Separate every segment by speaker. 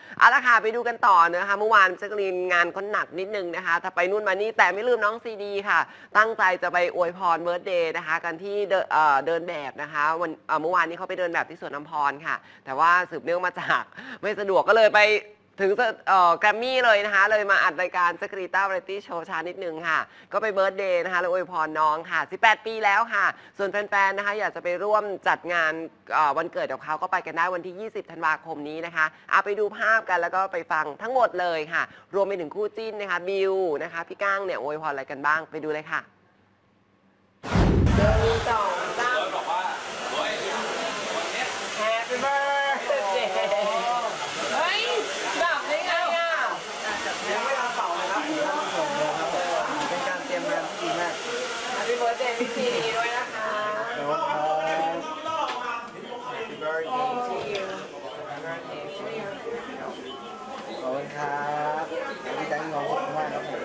Speaker 1: เอาละค่ะไปดูกันต่อนะคะเมื่อวานแจ๊กกะลีนงานก็หนักนิดนึงนะคะถ้าไปนู่นมานี่แต่ไม่ลืมน้องซีดีค่ะตั้งใจจะไปอวยพรเบิร์ธเดย์นะคะกันที่เดินแบบนะคะวันเมื่อวานนี้เขาไปเดินแบบที่สวนน้ำพรค่ะแต่ว่าสืบเนื่องมาจากไม่สะดวกก็เลยไปถึงแกรมมี่เลยนะคะเลยมาอัดรายการแจ๊กกะลีนต้าวาไรตี้โชว์ช้านิดนึงค่ะก็ไปเบิร์ธเดย์นะคะแล้วอวยพรน้องค่ะ18ปีแล้วค่ะส่วนแฟนๆนะคะอยากจะไปร่วมจัดงานวันเกิดของเขาก็ไปกันได้วันที่20ธันวาคมนี้นะคะเอาไปดูภาพกันแล้วก็ไปฟังทั้งหมดเลยค่ะรวมไปถึงคู่จิ้นนะคะบิวนะคะพี่ก้างเนี่ยอวยพรอะไรกันบ้างไปดูเลยค่ะ1 2 3บอกว่า Happy birthday เฮ้ยดับได้ไงอ่ะยังไม่ทันเป่าเลยครับเป็นการเตรียมงานที่ดีมาก Happy birthday พี่ซีดีด้วยนะคะHappy birthday to you Happy birthday to you
Speaker 2: ขอบคุณครับดีใจที่น้องขอบคุณมากครับผม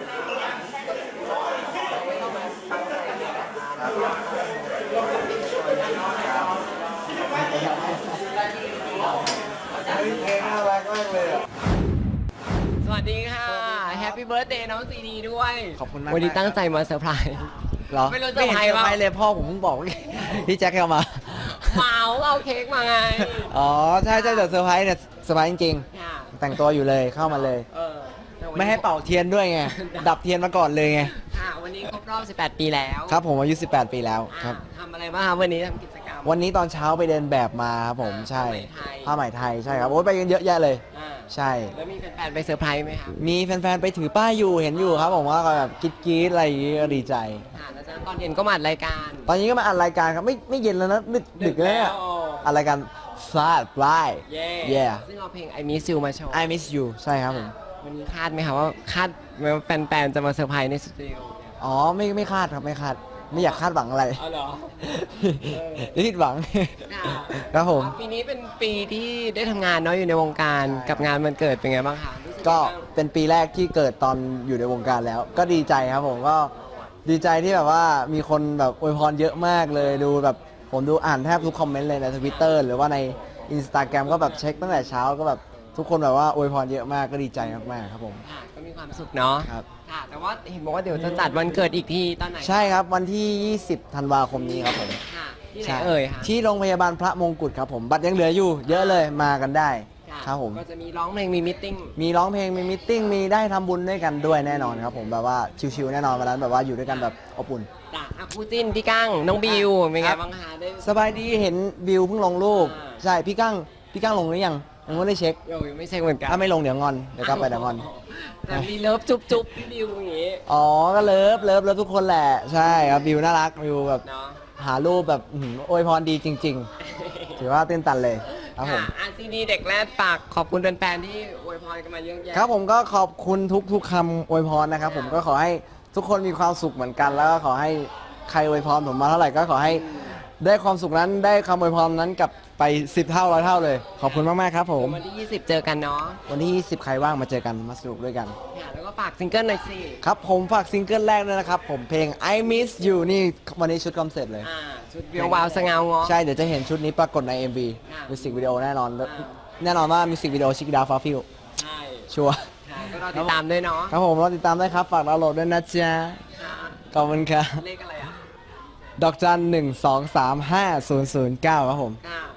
Speaker 2: เพลงน่ารักมากเลยอ่ะ
Speaker 1: สวัสดีค่ะ Happy birthday น้องซีดีด้วย
Speaker 2: ขอบคุณมาก
Speaker 1: วันนี้ตั้งใจมาเซอร์ไพรส์
Speaker 2: เหรอ
Speaker 1: ไม่รู้เซอร์ไพรส์ป่ะ
Speaker 2: ไม่เลยพ่อผมเพิ่งบอกพี่แจ็คเข้ามา
Speaker 1: เมาเอาเค้กมาไง
Speaker 2: อ๋อใช่แต่เซอร์ไพรส์เนี่ยเซอร์ไพรส์จริง
Speaker 1: ค่ะ
Speaker 2: ๆแต่งตัวอยู่เลยเข้ามาเลยไม่ให้เป่าเทียนด้วยไงดับเทียนมาก่อนเลยไง
Speaker 1: ค่ะวันนี้ครบรอบ18ปีแล้ว
Speaker 2: ครับผมอายุ18ปีแล้วครับ
Speaker 1: ทำอะไรบ้างครับวันนี้ทำกิจกรรม
Speaker 2: วันนี้ตอนเช้าไปเดินแบบมาครับผมใช่ผ้าไหมไทยใช่ครับโอ้ยไปกันเยอะแยะเลยใช่
Speaker 1: แล้วมีแฟนๆไปเซอร์ไพรส์ไหมครับ
Speaker 2: มีแฟนๆไปถือป้ายอยู่เห็นอยู่ครับผมว่าแบบกรี๊ดอะไรอย่างงี้ก็ดีใจ
Speaker 1: แล้วตอนเย็นก็มาอัดรายการ
Speaker 2: ตอนนี้ก็มาอัดรายการครับไม่เย็นแล้วนะดึกแล้วเนี่ยอัดรายการฟลาดฟลาย
Speaker 1: ซึ่งเอาเพลง I Miss You มาโชว์
Speaker 2: I Miss You ใช่ครับผม
Speaker 1: วันนี้คาดไหมครับว่าแฟนๆจะมาเซอร์ไพรส์ในสตูดิโอ
Speaker 2: อ๋อไม่คาดครับไม่คาดไม่อยากคาดหวังอะไร
Speaker 1: อ๋อเหรอ
Speaker 2: ผิดหวังครับผม
Speaker 1: ปีนี้เป็นปีที่ได้ทำงานเนาะอยู่ในวงการกับงานวันเกิดเป็นไงบ้างคะ
Speaker 2: ก็เป็นปีแรกที่เกิดตอนอยู่ในวงการแล้วก็ดีใจครับผมก็ดีใจที่แบบว่ามีคนแบบอวยพรเยอะมากเลยดูแบบผมดูอ่านแทบทุกคอมเมนต์เลยใน Twitter หรือว่าใน Instagram ก็แบบเช็คตั้งแต่เช้าก็แบบทุกคนแบบว่าอวยพรเยอะมากก็ดีใจมากๆครับผม
Speaker 1: ก็มีความสุขเนาะ
Speaker 2: ครับ
Speaker 1: แต่ว่าเห็นบอกว่าเดี๋ยวจะจัดวันเกิดอีกทีตอนไหน
Speaker 2: ใช่ครับวันที่20ธันวาคมนี้ครับผม
Speaker 1: ที่ไหนเอ่ยคะ
Speaker 2: ที่โรงพยาบาลพระมงกุฎครับผมบัตรยังเหลืออยู่เยอะเลยมากันได้ครับผม
Speaker 1: ก็จะมีร้องเพลงมีมิทติ้ง
Speaker 2: มีร้องเพลงมีมิทติ้งมีได้ทำบุญด้วยกันด้วยแน่นอนครับผมแบบว่าชิวๆแน่นอนวันนั้นแบบว่าอยู่ด้วยกันแบบอบอุ่น
Speaker 1: คู่จิ้นพี่กั้งน้องบิวเป็นไงบ้างคะได้
Speaker 2: สบายดีเห็นบิวเพิ่งลงรูปใช่พี่กั้งลงหรือยังไม่ได้เช็ค
Speaker 1: ยังไม่เช็คเหมือนกัน
Speaker 2: ถ้าไม่ลงเดี๋ยวงอนเดี๋ยวกลับไปเดี๋ยวงอน
Speaker 1: แต่มีเลิฟจุ๊บพี่บิวอย่างงี้
Speaker 2: อ๋อก็เลิฟทุกคนแหละใช่ครับบิวน่ารักบิวแบบหารูปแบบอวยพรดีจริงๆถือว่าตื่นตันเลยครับผม
Speaker 1: ซีดีเด็กแรกปากขอบคุณแฟนๆที่อวยพรกันมาเยอะแยะ
Speaker 2: ครับผมก็ขอบคุณทุกคำอวยพรนะครับผมก็ขอให้ทุกคนมีความสุขเหมือนกันแล้วก็ขอให้ใครอวยพรผมมาเท่าไหร่ก็ขอให้ได้ความสุขนั้นได้คำอวยพรนั้นกลับไป10เท่า100เท่าเลยขอบคุณมากๆครับผม
Speaker 1: วันที่20เจอกันเนาะ
Speaker 2: วันที่20ใครว่างมาเจอกันมาสนุกด้วยกัน
Speaker 1: แล้วก็ฝากซิงเกิลหน่อยสิ
Speaker 2: ครับผมฝากซิงเกิลแรกด้วยนะครับผมเพลง I Miss You นี่วันนี้ชุดคอนเสิร์ตเลย
Speaker 1: ชุดเบียววาวสงาวงอ
Speaker 2: ใช่เดี๋ยวจะเห็นชุดนี้ปรากฏใน MV มิวสิกวิดีโอแน่นอนว่ามิวสิกวิดีโอชิคดาวฟาฟิล
Speaker 1: ใช่
Speaker 2: ชัวร์
Speaker 1: ก็รอติดตามด้วยเนาะ
Speaker 2: ครับผมรอติดตามได้ครับฝากดาวน์โหลดด้วยนะจ๊ะขอบคุณครับ
Speaker 1: เลขอะไรอ่ะ
Speaker 2: ดอกจัน1235009ครับผม